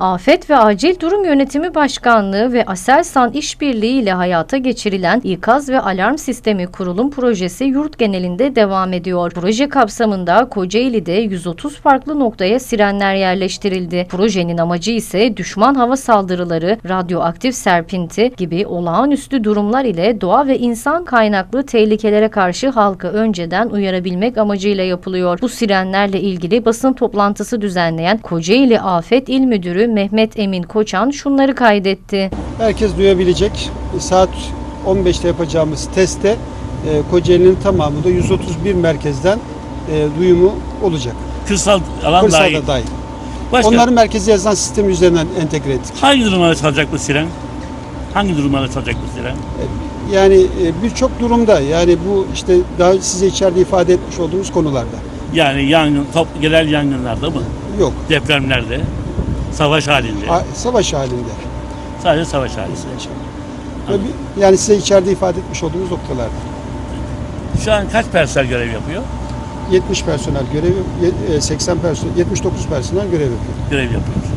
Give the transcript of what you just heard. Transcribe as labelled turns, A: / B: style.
A: Afet ve Acil Durum Yönetimi Başkanlığı ve Aselsan İşbirliği ile hayata geçirilen İkaz ve Alarm Sistemi Kurulum Projesi yurt genelinde devam ediyor. Proje kapsamında Kocaeli'de 130 farklı noktaya sirenler yerleştirildi. Projenin amacı ise düşman hava saldırıları, radyoaktif serpinti gibi olağanüstü durumlar ile doğa ve insan kaynaklı tehlikelere karşı halkı önceden uyarabilmek amacıyla yapılıyor. Bu sirenlerle ilgili basın toplantısı düzenleyen Kocaeli Afet İl Müdürü Mehmet Emin Koçan şunları kaydetti.
B: Herkes duyabilecek. Saat 15'te yapacağımız testte Kocaeli'nin tamamı da 131 merkezden duyumu olacak.
C: Kırsal alan
B: Kırsalda dahil. Onları merkezi yazılan sistem üzerinden entegre ettik.
C: Hangi durumlarda çalacak bu siren? Hangi durumlarda çalacak bu siren?
B: Yani birçok durumda, yani bu işte daha size içeride ifade etmiş olduğumuz konularda.
C: Yani yangın, genel yangınlarda mı?
B: Yok.
C: Depremlerde, savaş halinde.
B: Savaş halinde.
C: Sadece savaş halinde.
B: Yani size içeride ifade etmiş olduğumuz noktalarda.
C: Şu an kaç personel görev yapıyor?
B: 70 personel görev, 80 personel, 79 personel görev yapıyor.
C: Görev yapıyor.